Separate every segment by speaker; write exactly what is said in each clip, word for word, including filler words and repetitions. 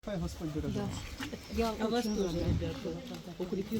Speaker 1: Хай Господь береже.
Speaker 2: Я а вас тоже, ребята, укрепи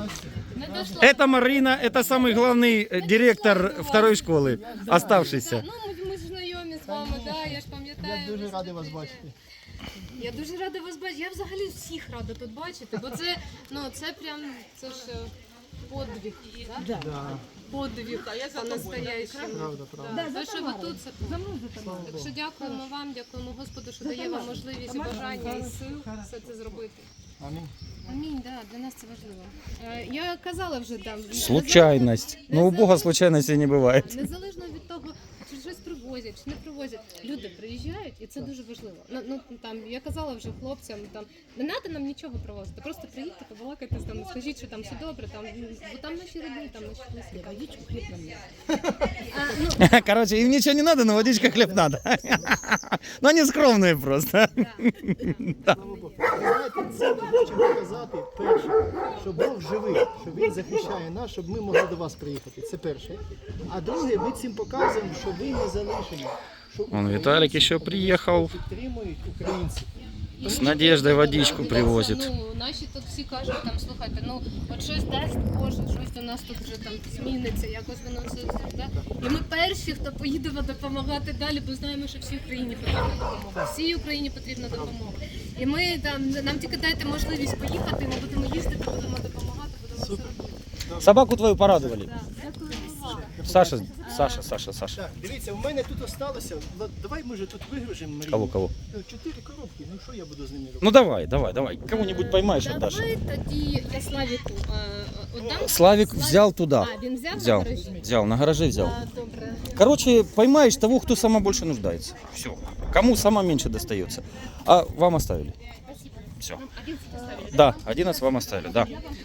Speaker 3: Это Марина, это самый главный э, директор второй школы, оставшийся.
Speaker 4: Ну, ми, ми ж знайомі з вами, да, я ж пам'ятаю.
Speaker 1: Я дуже радий вас бачити.
Speaker 4: Я дуже рада вас бачити. Я взагалі всіх рада тут бачити, бо це, ну, це прям, це ж е, подвиг, да?
Speaker 1: Да,
Speaker 4: Подвиг, по-настоящему.
Speaker 1: правда, правда.
Speaker 4: Да, те, що ви тут, це так що дякуємо вам, дякуємо Господу, що дає вам можливість і бажання і сил все це зробити.
Speaker 1: Амінь.
Speaker 4: Амінь, да, для нас це важливо. Е, Я казала вже там.
Speaker 3: Случайность. Ну, у Бога случайностей не бывает.
Speaker 4: Незалежно від того, чи щось привозять, чи не привозять. Люди приїжджають, і це дуже важливо. Ну, ну там я казала вже хлопцям, там не треба нам нічого привозити. Просто приїдьте, побалакайте там, скажіть, що там все добре, там бо там наші родини, там наші близькі.
Speaker 2: водичку, хлеб нам нет.
Speaker 4: А, ну,
Speaker 3: Короче, им ничего не надо, но водичка, хлеб надо. Но они скромные просто.
Speaker 1: Слава Богу. Ви знаєте, це ми хочемо показати, перше, що Бог живий, що Він захищає нас, щоб ми могли до вас приїхати. Це перше. А друге, ми цим показуємо, що ви не залишені. Що
Speaker 3: Вон Виталик еще приехал.
Speaker 1: підтримують українців.
Speaker 3: С Надеждой водичку привозит.
Speaker 4: Ну, наші тут всі кажуть, там, слухайте, ну, от щось дасть Боже, щось у нас тут вже там зміниться, якось воно все, да? І ми перші, хто поїде допомагати далі, бо знаємо, що всій Україні потрібна допомога. Всій Україні потрібна допомога. І ми там, нам тільки дайте можливість поїхати, ми будемо їздити, будемо допомагати, будемо все робити.
Speaker 3: Собаку твою порадовали.
Speaker 4: Да. Дякую вам.
Speaker 3: Саша, Саша, Саша, Саша.
Speaker 1: Так, дивіться, у мене тут осталося, Влад, давай ми вже тут вигружемо Марію.
Speaker 3: Кого, кого?
Speaker 1: Чотири коробки, ну що я буду з ними робити?
Speaker 3: Ну давай, давай, давай. Кого-нибудь поймаешь, отдашь.
Speaker 4: Давай тоді я Славіку е, віддам.
Speaker 3: Славик взял туда.
Speaker 4: А, він взяв,
Speaker 3: Взял,
Speaker 4: на гаражі?
Speaker 3: взял, на гараже взял.
Speaker 4: А, добре.
Speaker 3: Короче, поймаешь того, кто сама больше нуждается. Все. Кому сама меньше достается. А вам оставили. Все.
Speaker 4: Один поставили.
Speaker 3: Да, одиннадцать вам оставили, да.